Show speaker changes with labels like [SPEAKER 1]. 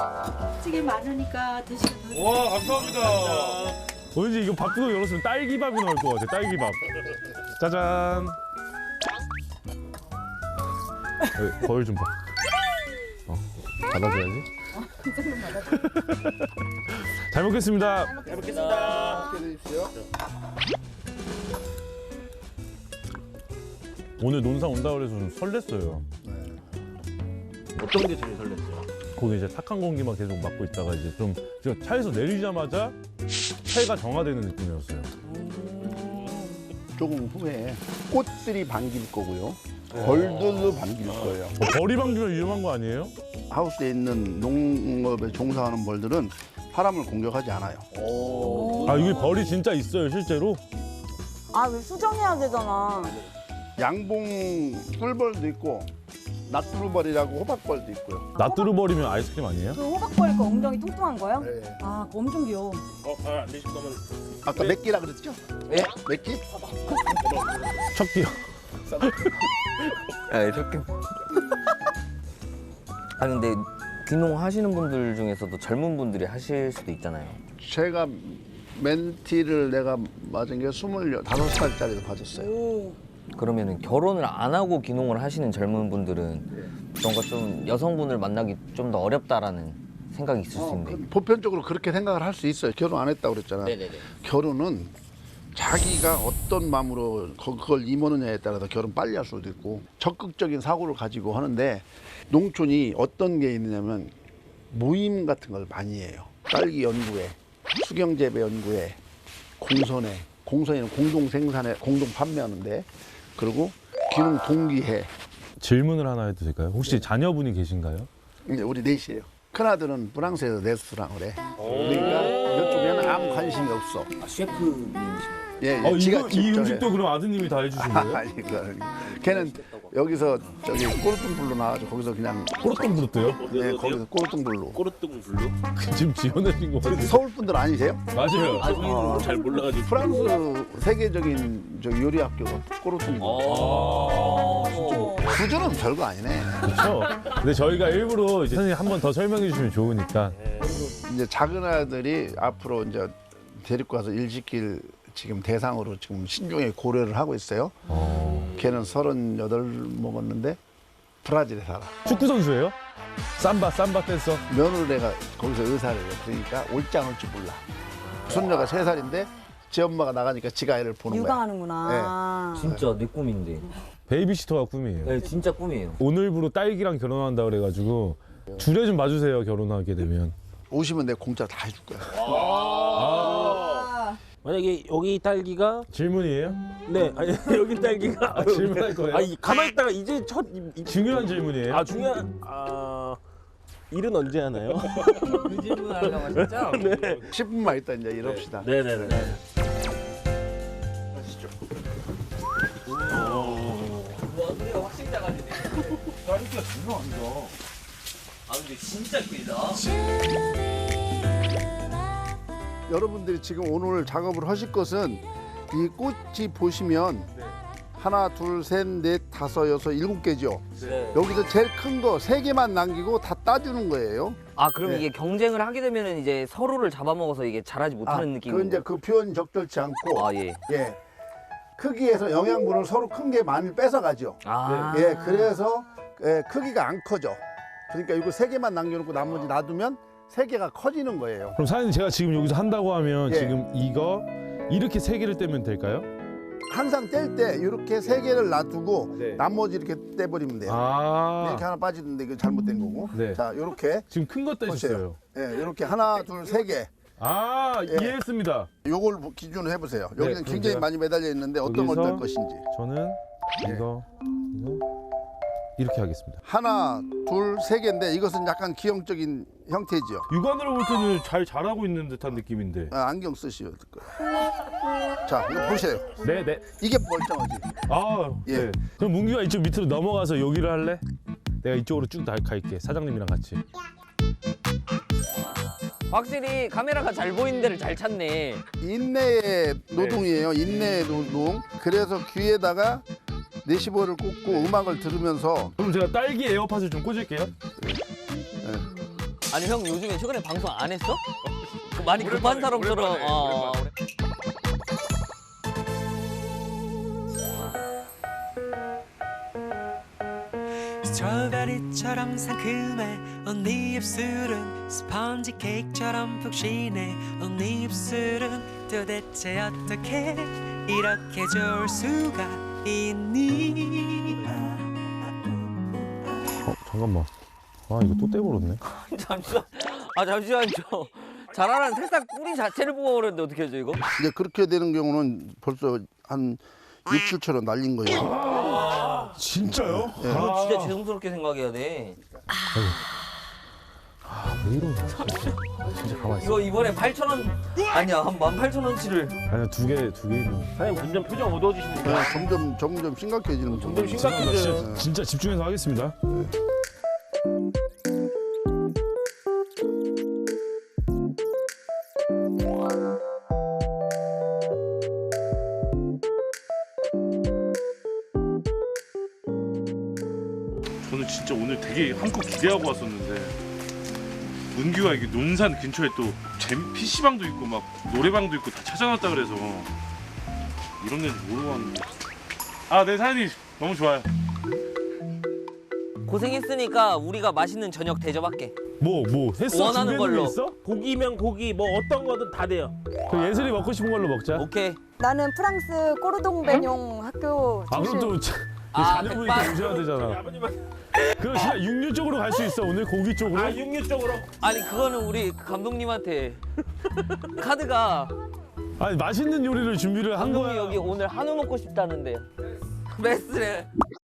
[SPEAKER 1] 찌개 많으니까 드시면
[SPEAKER 2] 와, 감사합니다. 왠지 이거 밥도 열었으면 딸기밥이 나올 것 같아, 딸기밥. 짜잔. 거울 좀 봐. 받아줘야지. 잘 먹겠습니다.
[SPEAKER 3] 잘 먹겠습니다.
[SPEAKER 2] 오늘 논산 온다 그래서 좀 설렜어요.
[SPEAKER 3] 어떤 게 제일 설렜어요?
[SPEAKER 2] 거기 이제 탁한 공기만 계속 맡고 있다가 이제 좀 제가 차에서 내리자마자 새가 정화되는 느낌이었어요.
[SPEAKER 4] 조금 후에 꽃들이 반길 거고요. 벌들도 반길 거예요.
[SPEAKER 2] 벌이 방귀면 위험한 거 아니에요?
[SPEAKER 4] 하우스에 있는 농업에 종사하는 벌들은 사람을 공격하지 않아요.
[SPEAKER 2] 아 이게 벌이 진짜 있어요 실제로?
[SPEAKER 5] 아, 왜 수정해야 되잖아.
[SPEAKER 4] 양봉 꿀벌도 있고 낫두루벌이라고 호박벌도 있고요.
[SPEAKER 2] 낫두루벌이면 아이스크림 아니에요?
[SPEAKER 5] 그 호박벌이니까 엉덩이 뚱뚱한 거요?
[SPEAKER 4] 네.
[SPEAKER 5] 아, 그거 엄청 귀여워.
[SPEAKER 3] 안 드실 거면
[SPEAKER 4] 아까 몇 끼라 그랬죠? 네? 몇 끼?
[SPEAKER 2] 척기요.
[SPEAKER 6] 아, 이렇게. 아 근데 귀농 하시는 분들 중에서도 젊은 분들이 하실 수도 있잖아요.
[SPEAKER 4] 제가 멘티를 내가 맞은 게 25살짜리도 맞았어요.
[SPEAKER 6] 그러면은 결혼을 안 하고 귀농을 하시는 젊은 분들은 뭔가 좀 여성분을 만나기 좀 더 어렵다라는 생각이 있을 수 있는데.
[SPEAKER 4] 보편적으로 그렇게 생각을 할 수 있어요. 결혼 안 했다고 그랬잖아.
[SPEAKER 6] 네네네.
[SPEAKER 4] 결혼은 자기가 어떤 마음으로 그걸 임하느냐에 따라서 결혼 빨리 할 수도 있고 적극적인 사고를 가지고 하는데 농촌이 어떤 게 있느냐면 모임 같은 걸 많이 해요. 딸기 연구회, 수경재배 연구회, 공선회는 공동 생산에 공동 판매하는데 그리고 귀농 동기회.
[SPEAKER 2] 질문을 하나 해도 될까요? 혹시 자녀분이 계신가요?
[SPEAKER 4] 이제 우리 넷이에요. 큰아들은 프랑스에서 레스토랑을 해. 그러니까 이쪽에는 아무 관심이 없어.
[SPEAKER 6] 아, 셰프님이시네요.
[SPEAKER 4] 예,
[SPEAKER 2] 이
[SPEAKER 4] 직접 해.
[SPEAKER 2] 음식도 그럼 아드님이 다 해주신 거예요?
[SPEAKER 4] 아니, 걔는 여기서 저기 꼬르뚱불로 나와가지고 거기서 그냥
[SPEAKER 2] 꼬르똥 부르트요?
[SPEAKER 4] 네, 거기서 꼬르뚱불로.
[SPEAKER 3] 꼬르뚱 블루?
[SPEAKER 2] 지금 지어내신 거 같아요.
[SPEAKER 4] 서울 분들 아니세요?
[SPEAKER 2] 맞아요.
[SPEAKER 3] 저희는 잘 몰라가지고.
[SPEAKER 4] 프랑스 세계적인 저 요리 학교가 꼬르뚱불. 수준은 별거 아니네.
[SPEAKER 2] 그렇죠. 근데 저희가 일부러 이제 선생님 한 번 더 설명해 주시면 좋으니까.
[SPEAKER 4] 이제 작은 아들이 앞으로 이제 데리고 가서 일 시킬 지금 대상으로 지금 신중하게 고려를 하고 있어요. 걔는 38 먹었는데 브라질에 살아.
[SPEAKER 2] 축구 선수예요? 삼바 댄서.
[SPEAKER 4] 며느리가 거기서 의사를 해요. 그러니까 올짱올줄 몰라. 손녀가 3살인데 지 엄마가 나가니까 지가 애를 보는 거야.
[SPEAKER 5] 육아하는구나.
[SPEAKER 6] 진짜 내 꿈인데.
[SPEAKER 2] 베이비시터가 꿈이에요.
[SPEAKER 6] 네, 진짜 꿈이에요.
[SPEAKER 2] 오늘부로 딸기랑 결혼한다 그래가지고 주례 좀 봐주세요. 결혼하게 되면.
[SPEAKER 4] 오시면 내가 공짜 다 해줄 거야.
[SPEAKER 3] 만약에 여기 딸기가
[SPEAKER 2] 질문이에요?
[SPEAKER 3] 네 아니 여기 딸기가
[SPEAKER 2] 질문할 거예요?
[SPEAKER 3] 아니 가만히 있다가 이제 첫
[SPEAKER 2] 중요한 질문이에요.
[SPEAKER 3] 아 중요한 일은 언제 하나요?
[SPEAKER 6] 그 질문 하려고 하셨죠?
[SPEAKER 4] 10분만 있다 이제 이럽시다.
[SPEAKER 3] 네네네.
[SPEAKER 6] 우리가 확실히 작아지네.
[SPEAKER 4] 딸기가 중요합니다.
[SPEAKER 6] 아 근데 진짜 크다.
[SPEAKER 4] 여러분들이 지금 오늘 작업을 하실 것은 이 꽃이 보시면 하나, 둘, 셋, 넷, 다섯, 여섯, 7개죠.
[SPEAKER 6] 네.
[SPEAKER 4] 여기서 제일 큰 거 3개만 남기고 다 따주는 거예요.
[SPEAKER 6] 아 그럼
[SPEAKER 4] 네.
[SPEAKER 6] 이게 경쟁을 하게 되면은 이제 서로를 잡아먹어서 이게 잘하지 못하는 느낌이.
[SPEAKER 4] 그 이제 그 표현 적절치 않고
[SPEAKER 6] 아 예.
[SPEAKER 4] 예. 크기에서 영양분을 서로 큰 게 많이 뺏어가죠.
[SPEAKER 6] 아.
[SPEAKER 4] 예, 그래서 크기가 안 커져. 그러니까 이거 3개만 남겨놓고 나머지 놔두면 3개가 커지는 거예요.
[SPEAKER 2] 그럼 사장님 제가 지금 여기서 한다고 하면
[SPEAKER 4] 예.
[SPEAKER 2] 지금 이거 이렇게 3개를 떼면 될까요?
[SPEAKER 4] 항상 뗄 때 이렇게 3개를 놔두고
[SPEAKER 2] 네.
[SPEAKER 4] 나머지 이렇게 떼버리면 돼요.
[SPEAKER 2] 아.
[SPEAKER 4] 이렇게 하나 빠지는데 이거 잘못된 거고.
[SPEAKER 2] 네.
[SPEAKER 4] 자, 이렇게
[SPEAKER 2] 지금 큰 거 떼셨어요.
[SPEAKER 4] 예, 이렇게 하나, 둘, 3개.
[SPEAKER 2] 아
[SPEAKER 4] 예.
[SPEAKER 2] 이해했습니다.
[SPEAKER 4] 요걸 기준으로 해보세요.
[SPEAKER 2] 네,
[SPEAKER 4] 여기는
[SPEAKER 2] 그럼
[SPEAKER 4] 굉장히
[SPEAKER 2] 제가
[SPEAKER 4] 많이 매달려 있는데 어떤 걸
[SPEAKER 2] 여기서
[SPEAKER 4] 뗄 것인지.
[SPEAKER 2] 저는 이거 이렇게 하겠습니다.
[SPEAKER 4] 하나, 둘, 3개인데 이것은 약간 기형적인 형태지요.
[SPEAKER 2] 육안으로 볼 때는 잘 자라고 있는 듯한 느낌인데.
[SPEAKER 4] 안경 쓰셔야 될 거예요. 자, 이거 보세요.
[SPEAKER 2] 네네.
[SPEAKER 4] 이게 멀쩡하지.
[SPEAKER 2] 아
[SPEAKER 4] 예.
[SPEAKER 2] 네. 그럼 문규가 이쪽 밑으로 넘어가서 여기를 할래? 내가 이쪽으로 쭉 갈게. 사장님이랑 같이.
[SPEAKER 6] 확실히 카메라가 잘 보이는 데를 잘 찾네.
[SPEAKER 4] 인내의 노동이에요. 인내의 노동. 그래서 귀에다가 내시보를 꽂고 음악을 들으면서
[SPEAKER 2] 그럼 제가 딸기 에어팟을 좀 꽂을게요.
[SPEAKER 6] 아니 형 요즘에 최근에 방송 안 했어? 많이 급한 사람처럼.
[SPEAKER 7] 스트로베리처럼 상큼해 언니 입술은 스펀지 케이크처럼 푹신해 언니 입술은 도대체 어떻게 이렇게 좋을 수가 있니.
[SPEAKER 2] 잠깐만. 아 이거 또 떼버렸네.
[SPEAKER 6] 잠시만요. 자라는 새싹 뿌리 자체를 뽑아버렸는데 어떻게 하죠 이거?
[SPEAKER 4] 이제 그렇게 되는 경우는 벌써 한 6, 7초로 날린 거예요.
[SPEAKER 2] 진짜요?
[SPEAKER 6] 이거 진짜 죄송스럽게 생각해야 돼.
[SPEAKER 2] 왜 이러냐. 진짜 가만히 있어.
[SPEAKER 6] 이거 이번에 8,000원 아니야 한 18,000원치를.
[SPEAKER 2] 아니야 두 개 있는.
[SPEAKER 3] 사장님 점점 표정 어두워지시는데.
[SPEAKER 4] 점점 심각해지는
[SPEAKER 3] 점점
[SPEAKER 4] 거예요.
[SPEAKER 3] 심각해져요.
[SPEAKER 2] 진짜 집중해서 하겠습니다.
[SPEAKER 8] 저는 진짜 오늘 되게 한껏 기대하고 왔었는데 문규가 이게 논산 근처에 또 PC방도 있고 막 노래방도 있고 다 찾아놨다 그래서 이런 데는 모르고 왔는데 네 사장님 너무 좋아요.
[SPEAKER 6] 고생했으니까 우리가 맛있는 저녁 대접할게.
[SPEAKER 2] 뭐 했어?
[SPEAKER 6] 원하는
[SPEAKER 2] 준비해둔 게
[SPEAKER 6] 걸로.
[SPEAKER 2] 있어?
[SPEAKER 3] 고기면 고기 뭐 어떤 거든 다 돼요.
[SPEAKER 2] 그 예슬이 먹고 싶은 걸로 먹자.
[SPEAKER 6] 오케이.
[SPEAKER 5] 나는 프랑스 꼬르동 베뇽 학교
[SPEAKER 2] 아 그럼 또 자녀분이
[SPEAKER 6] 백반.
[SPEAKER 2] 오셔야 되잖아.
[SPEAKER 3] 아버님은
[SPEAKER 2] 그럼 진짜 육류 쪽으로 갈 수 있어 오늘 고기 쪽으로?
[SPEAKER 3] 육류 쪽으로.
[SPEAKER 6] 아니 그거는 우리 감독님한테 카드가
[SPEAKER 2] 아니 맛있는 요리를 준비를 한
[SPEAKER 6] 감독님
[SPEAKER 2] 거야.
[SPEAKER 6] 여기 오늘 한우 먹고 싶다는데. 메스래.